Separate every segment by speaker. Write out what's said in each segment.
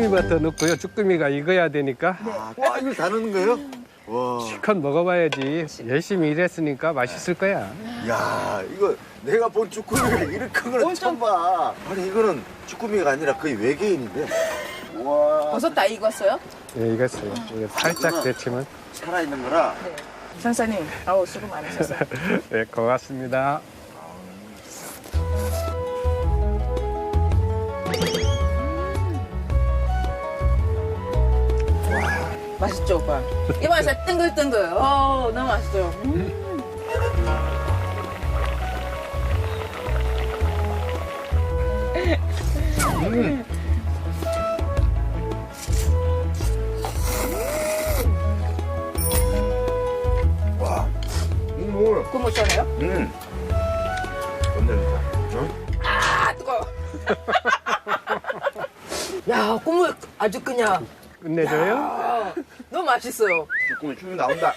Speaker 1: 쭈꾸미부터 넣고요. 쭈꾸미가 익어야 되니까
Speaker 2: 와, 이걸 다 넣는 거예요? 와,
Speaker 1: 실컷 먹어봐야지. 열심히 일했으니까 맛있을 거야.
Speaker 2: 야, 이거 내가 본 쭈꾸미가 이렇게 큰 거는 처음 봐. 아니, 이거는 쭈꾸미가 아니라 거의 외계인인데. 와,
Speaker 3: 버섯 다 익었어요?
Speaker 1: 예, 익었어요. 이거 살짝 데치면.
Speaker 2: 살아있는 거라.
Speaker 3: 네. 상사님, 아우 수고 많으셨어요.
Speaker 1: 네, 고맙습니다.
Speaker 3: 맛있죠, 오빠? 입안에서 뜬글뜬글. 너무 맛있어요.
Speaker 2: 와,
Speaker 3: 국물 시원해요?
Speaker 2: 건들다.
Speaker 3: 아, 뜨거워. 야, 국물 아주 그냥
Speaker 1: 끝내줘요?
Speaker 3: 너무 맛있어요.
Speaker 2: 쭈꾸미 춤이 나온다.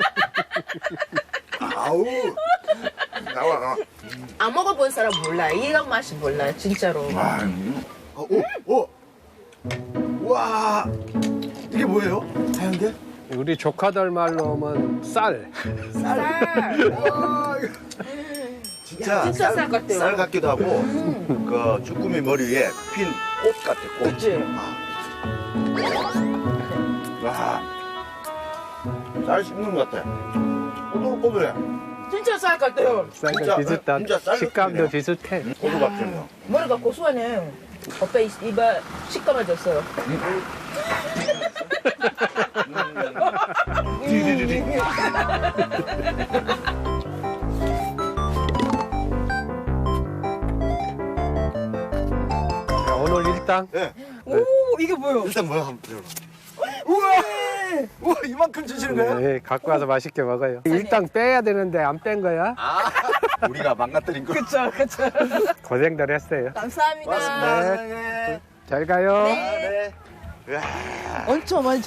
Speaker 2: 아우, 나와.
Speaker 3: 안 먹어본 사람 몰라요. 이런 맛이 몰라요, 진짜로.
Speaker 2: 와, 오. 와, 이게 뭐예요? 하얀 게?
Speaker 1: 우리 조카들 말로 하면 쌀.
Speaker 3: 쌀.
Speaker 2: 와, 이거 진짜
Speaker 3: 쌀 같아요.
Speaker 2: 쌀 같기도 하고 그 쭈꾸미 머리에 핀 꽃 같아, 꽃.
Speaker 3: 그치?
Speaker 2: 와, 쌀 씹는 것 같아. 꼬들꼬들해.
Speaker 3: 진짜 쌀 같아요.
Speaker 1: 쌀과
Speaker 2: 진짜,
Speaker 1: 비슷한
Speaker 2: 진짜 쌀
Speaker 1: 식감도
Speaker 2: 느낌이네.
Speaker 1: 비슷해.
Speaker 2: 고수 같은 거.
Speaker 3: 머리가 고소하네. 오빠 입에 시꺼매졌어요.
Speaker 1: 자, 오늘 일당
Speaker 2: 네.
Speaker 3: 오, 이게 뭐예요?
Speaker 2: 일단 뭐야 한번 들어봐. 우와, 이만큼 주시는 거예요?
Speaker 1: 네, 갖고 와서 맛있게 먹어요. 일당 빼야 되는데 안 뺀 거야?
Speaker 2: 아, 우리가 망가뜨린 거.
Speaker 3: 그쵸.
Speaker 1: 고생들 했어요.
Speaker 3: 감사합니다.
Speaker 2: 고맙습니다. 네.
Speaker 1: 잘 가요.
Speaker 2: 네.
Speaker 3: 엄청 많이